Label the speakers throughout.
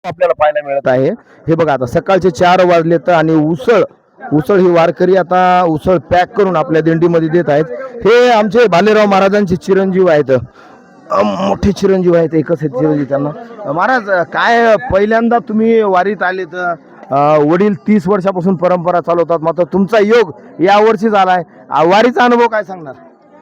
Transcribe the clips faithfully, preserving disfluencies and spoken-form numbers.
Speaker 1: आपल्याला पाहायला मिळत आहे. हे बघा आता सकाळचे चार वाजलेत आणि उसळ उसळ ही वारकरी आता उसळ पॅक करून आपल्या दिंडीमध्ये देत आहेत. हे आमचे भालेराव महाराजांचे चिरंजीव आहेत. अ, मोठे चिरंजीव आहेत. एकच आहेत चिरंजीव त्यांना. अ, महाराज काय पहिल्यांदा तुम्ही वारीत आले तर वडील तीस वर्षापासून परंपरा चालवतात, मात्र तुमचा योग या वर्षी झालाय. अ, वारीचा अनुभव काय सांगणार?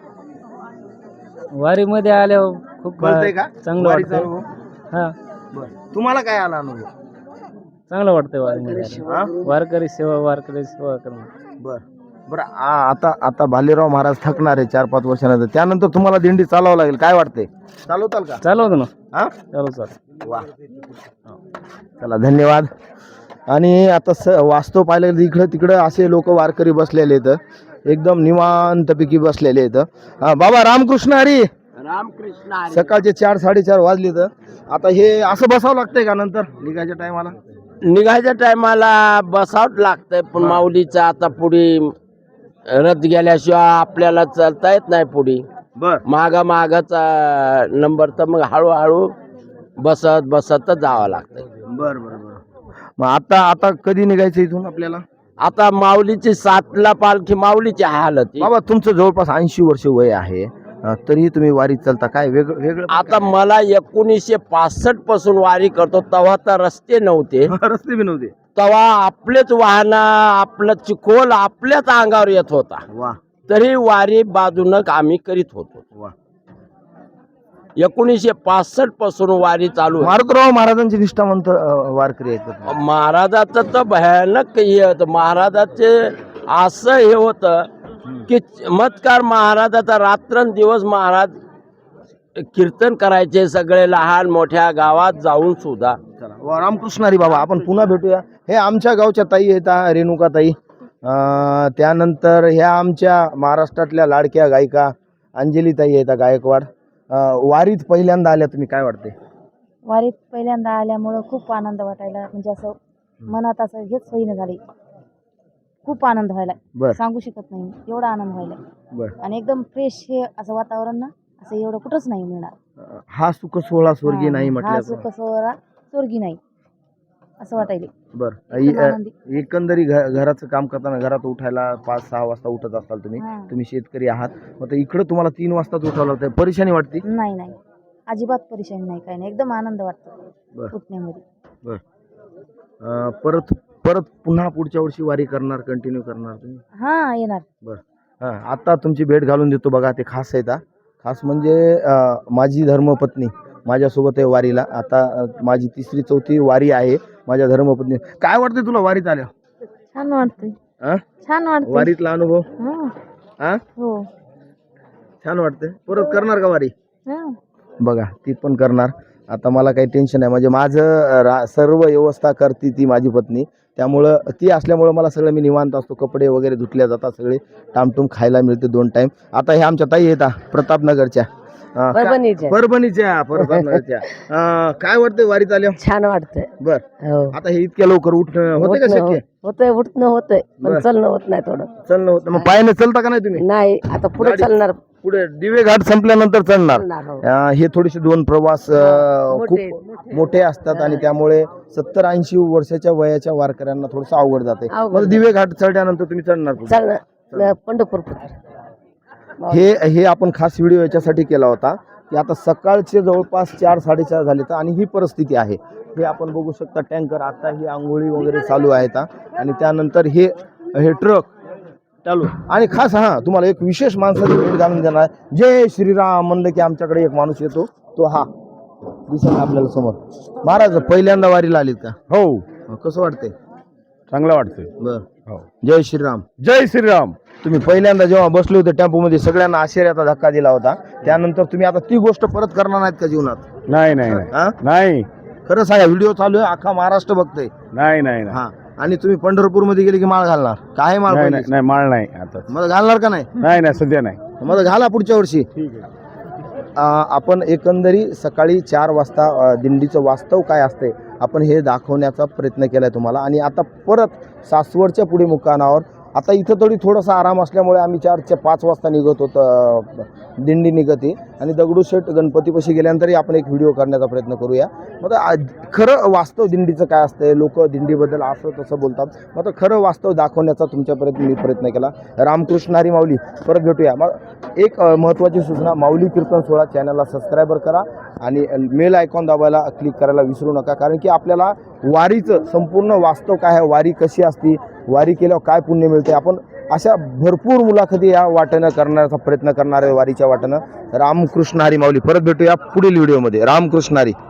Speaker 2: वारीमध्ये आल्यावर खूप
Speaker 1: कळतंय का
Speaker 2: चांगलं
Speaker 1: वारीचा
Speaker 2: वाटतं.
Speaker 1: अनुभव?
Speaker 2: हा
Speaker 1: बरं. तुम्हाला काय आला अनुभव?
Speaker 2: चांगलं वाटतंय वारीमध्ये आल्यावर.
Speaker 1: हा?
Speaker 2: वारकरी सेवा वारकरी सेवा करणं.
Speaker 1: बर बरं. आ- आता आता भालेराव महाराज थकणार आहे चार पाच वर्षानंतर, त्यानंतर तुम्हाला दिंडी चालवावं लागेल. काय वाटतंय, चालवताल का?
Speaker 2: चालवतो ना,
Speaker 1: हा,
Speaker 2: चालू चालू.
Speaker 1: वा, चला धन्यवाद. आणि आता स वास्तव पाहिलं गेलं इकडं तिकडं असे लोक वारकरी बसलेले आहेत, एकदम निवांतपैकी बसलेले आहेत. हा, बाबा रामकृष्ण हरी.
Speaker 2: रामकृष्ण
Speaker 1: सकाळचे चार साडेचार वाजले तर आता हे असं बसावं लागतंय का नंतर निघायच्या टायमाला?
Speaker 2: निघायच्या टायमाला बसावं लागतंय, पण माऊलीचा आता पुढे रथ गेल्याशिवाय आपल्याला चालता येत नाही. पुढे
Speaker 1: बर
Speaker 2: मागा मागाचा नंबर, तर मग हळूहळू बसत बसत जावं लागतंय.
Speaker 1: बर बर बर. मग आता आता कधी निघायचं इथून आपल्याला?
Speaker 2: आता माऊलीची सातला पालखी, माऊलीची हालत.
Speaker 1: बाबा तुमचं जवळपास ऐंशी वर्ष वय आहे, अं, तरीही तुम्ही वारीत चालता. काय वेगळं वेगळं
Speaker 2: आता मला एकोणीसशे पासष्ट पासून वारी करतो, तेव्हा तर रस्ते नव्हते.
Speaker 1: रस्ते बी नव्हते.
Speaker 2: तेव्हा आपलेच वाहन, आपलं चिखोल आपल्याच अंगावर येत होता,
Speaker 1: वा
Speaker 2: तरी वारी बाजूनं आम्ही करीत होतो.
Speaker 1: वा.
Speaker 2: एकोणीसशे पासष्ट पासून वारी चालू आहे.
Speaker 1: मारुतराव महाराजांचे निष्ठावंत अं, वारकरी आहेत का?
Speaker 2: महाराजाचं तर भयानक हे होतं. महाराजाचे असं हे होतं की चमत्कार, महाराजाचा रात्रंदिवस महाराज कीर्तन करायचे, सगळे लहान मोठ्या गावात जाऊन सुद्धा.
Speaker 1: चला वा, रामकृष्ण हरी. बाबा आपण पुन्हा भेटूया. हे आमच्या गावच्या ताई आहेत, हा, रेणुका ताई. अं, त्यानंतर ह्या आमच्या महाराष्ट्रातल्या लाडक्या गायिका अंजली ताई आहेत, गायकवाड. अं, वारीत पहिल्यांदा आल्या तुम्ही, काय वाटते?
Speaker 3: वारीत पहिल्यांदा आल्यामुळं खूप आनंद वाटायला, म्हणजे असं मनात असं हेच होईना झाले. खूप आनंद व्हायला,
Speaker 1: बर
Speaker 3: सांगू शकत नाही एवढा आनंद व्हायला.
Speaker 1: बर.
Speaker 3: आणि एकदम फ्रेश हे असं वातावरण ना, असं एवढं कुठंच नाही मिळणार.
Speaker 1: अं, हा सुख सोहळा स्वर्गीय नाही
Speaker 3: हा
Speaker 1: म्हटलं.
Speaker 3: सुख सोहळा स्वर्गी नाही असं वाटायले.
Speaker 1: बर.
Speaker 3: एकदम आनंदी.
Speaker 1: एकंदरी घ- घराचं काम करताना घरात उठायला पाच सहा वाजता उठत असाल तुम्ही.
Speaker 3: हा.
Speaker 1: तुम्ही शेतकरी आहात, मग इकडे तुम्हाला तीन वाजताच उठावं लागतं, परेशानी वाटते?
Speaker 3: नाही नाही, अजिबात परेशानी नाही, काही नाही, एकदम आनंद वाटतो
Speaker 1: बर
Speaker 3: उठण्यामध्ये.
Speaker 1: बर. अं, परत परत पुन्हा पुढच्या वर्षी वारी करणार, कंटिन्यू करणार तुम्ही?
Speaker 3: हा येणार.
Speaker 1: बर. हां, आता तुमची भेट घालून देतो बघा. ते खास आहेत, हा. खास म्हणजे अं, माझी धर्मपत्नी माझ्यासोबत आहे वारीला. आता अं, माझी तिसरी चौथी वारी आहे माझ्या धर्मपत्नी. काय वाटते तुला वारीत आल्या?
Speaker 3: छान वाटतंय,
Speaker 1: अं?
Speaker 3: छान वाटतंय.
Speaker 1: वारीतला अनुभव?
Speaker 3: हा
Speaker 1: हा,
Speaker 3: हो.
Speaker 1: छान वाटते. परत करणार का वारी?
Speaker 3: हा
Speaker 1: बघा ती पण करणार. आता मला काही टेन्शन नाही, म्हणजे माझं अं, रा सर्व व्यवस्था करते ती माझी पत्नी. त्यामुळं ती असल्यामुळं मला सगळं मी निवांत असतो. कपडे वगैरे धुतल्या जातात, सगळे टामटूम खायला मिळते दोन टाइम. आता हे आमच्या ताई आहेत, हा, प्रतापनगरच्या. अं, का-
Speaker 2: परभणीच्या.
Speaker 1: परभणीच्या प्रतापनगरच्या. अं, काय वाटतंय वारीत आल्या?
Speaker 2: छान वाटतंय.
Speaker 1: बर.
Speaker 2: हो,
Speaker 1: आता हे इतक्या लवकर उठणं होते का शक्य?
Speaker 2: होतंय, उठणं होतंय,
Speaker 1: बर.
Speaker 2: पण चलणं होत नाही. थोडं
Speaker 1: चलणं होतं. मग पायाने चलता का नाही तुम्ही?
Speaker 2: नाही, आता पुढे
Speaker 1: गाडी-
Speaker 2: चालणार.
Speaker 1: पुढे दिवे घाट संपल्यानंतर चलणार.
Speaker 2: चालणार, हो.
Speaker 1: अं, हे थोडेसे दोन प्रवास अं,
Speaker 2: मोठे-
Speaker 1: खूप मोठे असतात आणि त्यामुळे सत्तर ऐंशी वर्षाच्या वयाच्या वारकऱ्यांना थोडस अवघड जाते.
Speaker 2: अवघड
Speaker 1: मग दिवे घाट चढल्यानंतर तुम्ही चढणार पुढे.
Speaker 2: चालणार पंढरपूर.
Speaker 1: हे हे आपण खास व्हिडिओ याच्यासाठी केला होता की आता सकाळचे जवळपास चार साडेचार झाले तर आणि ही परिस्थिती आहे. हे आपण बघू शकता, टँकर आता ही आंघोळी वगैरे चालू आहेत, हा. आणि त्यानंतर हे हे ट्रक चालू. आणि खास हा तुम्हाला एक विशेष माणसाची भेट घालून देणार. जय श्रीराम म्हणलं की आमच्याकडे एक माणूस येतो, तो हा दिसेल आपल्याला समोर. महाराज पहिल्यांदा वारीला आलीत का?
Speaker 4: हो,
Speaker 1: कसं वाटतंय?
Speaker 4: चांगलं वाटतंय.
Speaker 1: बर.
Speaker 4: हो.
Speaker 1: जय श्रीराम.
Speaker 4: जय श्रीराम.
Speaker 1: तुम्ही पहिल्यांदा जेव्हा बसले होते टेम्पोमध्ये सगळ्यांना आश्चर्याचा धक्का दिला होता, त्यानंतर तुम्ही आता ती गोष्ट परत करणार नाहीत का जीवनात?
Speaker 4: नाही नाही नाही.
Speaker 1: हा?
Speaker 4: नाही
Speaker 1: खरं सांगा, व्हिडिओ चालू आहे, अख्खा महाराष्ट्र बघतोय.
Speaker 4: नाही नाही नाही.
Speaker 1: हा. आणि तुम्ही पंढरपूर मध्ये गेले की माळ घालणार? काय माळ
Speaker 4: नाही
Speaker 1: पाहिजे?
Speaker 4: नाही, माळ नाही आता.
Speaker 1: मग घालणार का नाही?
Speaker 4: नाही नाही, सध्या नाही.
Speaker 1: मग घाला पुढच्या वर्षी.
Speaker 4: ठीक आहे.
Speaker 1: अ, आपण एकंदरी सकाळी चार वाजता अ, दिंडीचं वास्तव काय असते आपण हे दाखवण्याचा प्रयत्न केला आहे तुम्हाला. आणि आता परत सासवडच्या पुढे मुक्कामावर आता इथं थोडी थोडासा आराम असल्यामुळे आम्ही चारच्या पाच वाजता निघत होतो, दिंडी निघते आणि दगडूशेठ गणपतीपाशी गेल्यानंतरही आपण एक व्हिडिओ करण्याचा प्रयत्न करूया. मग आता खरं वास्तव दिंडीचं काय असतं, लोक दिंडीबद्दल असं तसं बोलतात, मग आता खरं वास्तव दाखवण्याचा तुमच्यापर्यंत मी प्रयत्न केला. रामकृष्ण हरी माऊली. परत भेटूया. मग एक अ, महत्त्वाची सूचना, माऊली कीर्तन सोहळा चॅनलला सबस्क्राईबर करा आणि मेल आयकॉन दाबायला क्लिक करायला विसरू नका, कारण की आपल्याला वारीचं संपूर्ण वास्तव काय आहे, वारी कशी असती, वारी केल्यावर काय पुण्य मिळते, आपण अशा भरपूर मुलाखती या वाटेनं करण्याचा प्रयत्न करणार आहे वारीच्या वाटेनं. रामकृष्ण हरी माऊली. परत भेटूया पुढील व्हिडिओमध्ये. रामकृष्ण हरी.